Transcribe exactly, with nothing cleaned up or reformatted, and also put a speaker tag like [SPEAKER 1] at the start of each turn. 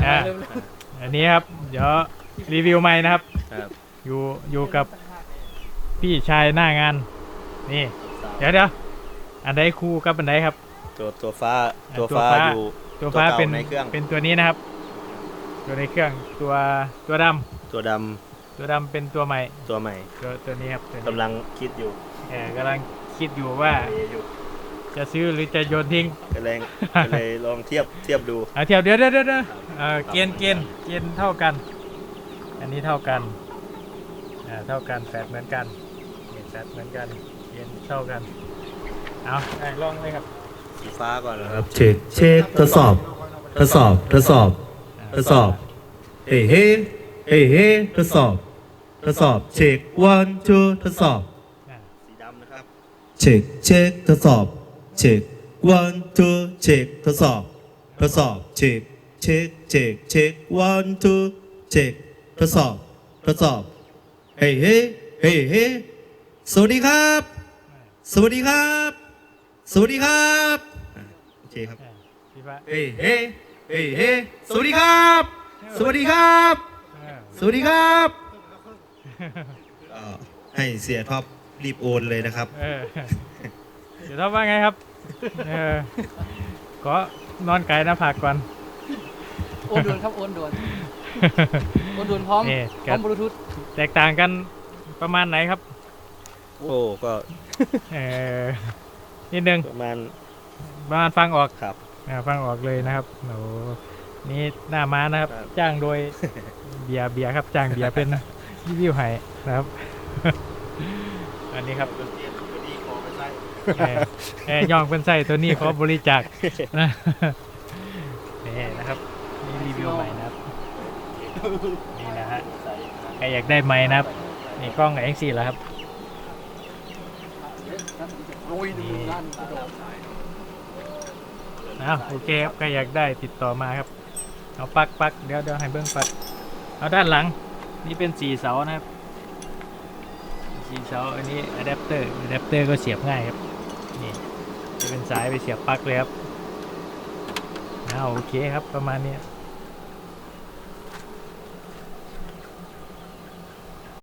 [SPEAKER 1] อ่าอันนี้ครับเดี๋ยวรีวิวใหม่นะครับ
[SPEAKER 2] ครับ
[SPEAKER 1] อยู่อยู่กับพี่ชายหน้างานนี่เดี๋ยวเดี๋ยวอันใดคู่กับอันใดครับ
[SPEAKER 2] ตัวตัวฟ้า
[SPEAKER 1] อ่า
[SPEAKER 2] ตัว
[SPEAKER 1] ตัว
[SPEAKER 2] ฟ้า
[SPEAKER 1] ฟ้า
[SPEAKER 2] อยู่
[SPEAKER 1] ตัวฟ้าเป็น
[SPEAKER 2] ในเครื่อง
[SPEAKER 1] เป็นตัวนี้นะครับตัวในเครื่องตัวตัวดำ
[SPEAKER 2] ตัวด
[SPEAKER 1] ตัวดำเป็นตัวใหม่
[SPEAKER 2] ำตัวใหม่
[SPEAKER 1] ตัวตัวนี้ครับตัวนี้
[SPEAKER 2] กำลังคิดอยู่
[SPEAKER 1] เออกำลังคิดอยู่ว่า
[SPEAKER 2] อยู่
[SPEAKER 1] จะซื้อหรือจะโยนทิ้ง
[SPEAKER 2] ก็เลยก็เลยลองเทียบเทียบดู
[SPEAKER 1] เอาเทียบเดี๋ยวเดี๋ยวเดี๋ยวเดี๋ยวเออเกณฑ์เกณฑ์เกณฑ์เท่ากัน อันนี้เท่ากันอ่าเท่ากันแฟดเหมือนกันนี่แฟดเหมือนกันเกณฑ์เท่ากันเอาได้ลองเลยครับ
[SPEAKER 2] สีฟ้าก่อนนะ
[SPEAKER 3] ค
[SPEAKER 2] ค
[SPEAKER 3] รั
[SPEAKER 2] รั
[SPEAKER 3] บบ เช็คเช็คทดสอบทดสอบทดสอบทดสอบเฮ้เฮ้เฮ้เฮ้ทดสอบทดสอบเช็ค one two ทดสอบ
[SPEAKER 1] อ่า
[SPEAKER 2] สีดำนะครับ
[SPEAKER 3] เช็คเช็คทดสอบเช็ค one two เช็คทดสอบทดสอบเช็คเช็คเช็คเช็ค one two เช็คทดสอบทดสอบเฮ้เฮ้เฮ้เฮ้สวัสดีครับ สวัสดีครับ สวัสดีครับอ่ะโอเคครับ
[SPEAKER 1] อ่าพี่ฟ้า
[SPEAKER 3] เฮ้เฮ้เฮ้เฮ้สวัสดีครับ สวัสดีครับ
[SPEAKER 1] เออ
[SPEAKER 3] สวัสดีครับเอ่อให้เสียท็อปรีบโอนเลยนะครับ
[SPEAKER 1] เออเดี๋ยวทำว่าไงครับเออก็นอนไกลหน้าผากก่อน
[SPEAKER 4] โอนด่วนครับโอนด่วนโอนด่วนพร้อม
[SPEAKER 1] นี่
[SPEAKER 4] พร้อมบลูทูธ
[SPEAKER 1] แตกต่างกันประมาณไหนครับ
[SPEAKER 2] โอ้ก็
[SPEAKER 1] เออนิดนึง
[SPEAKER 2] ประมาณ
[SPEAKER 1] ประมาณฟังออก
[SPEAKER 2] ครับ
[SPEAKER 1] อ่าฟังออกเลยนะครับโอ้นี่หน้าม้านะครับ
[SPEAKER 2] ครับ
[SPEAKER 1] จ้างโดย เบียร์เบียร์ครับจ้างเบียร์เป็นรีวิวให้นะครับ อันนี้ครับเออเออย่องเป็นไส้ตัวนี้เขาบริจาคนะนี่นะครับนี่รีวิวใหม่นะครับนี่นะฮะใครอยากได้ไหมค์นะครับนี่กล้องเอ็กซ์ซีแล้วครับ
[SPEAKER 4] โรยหนึ่งล้านกระโดด
[SPEAKER 1] อ้าวโอเคครับใครอยากได้ติดต่อมาครับเอาปลักปลักเดี๋ยวเดี๋ยวให้เบิ้งปลักเอาด้านหลังนี่เป็นสี่เสานะครับสี่เสาอันนี้อะแดปเตอร์อะแดปเตอร์ก็เสียบง่ายครับนี่จะเป็นสายไปเสียบปลั๊กเลยครับอ้าวโอเคครับประมาณนี้ครับ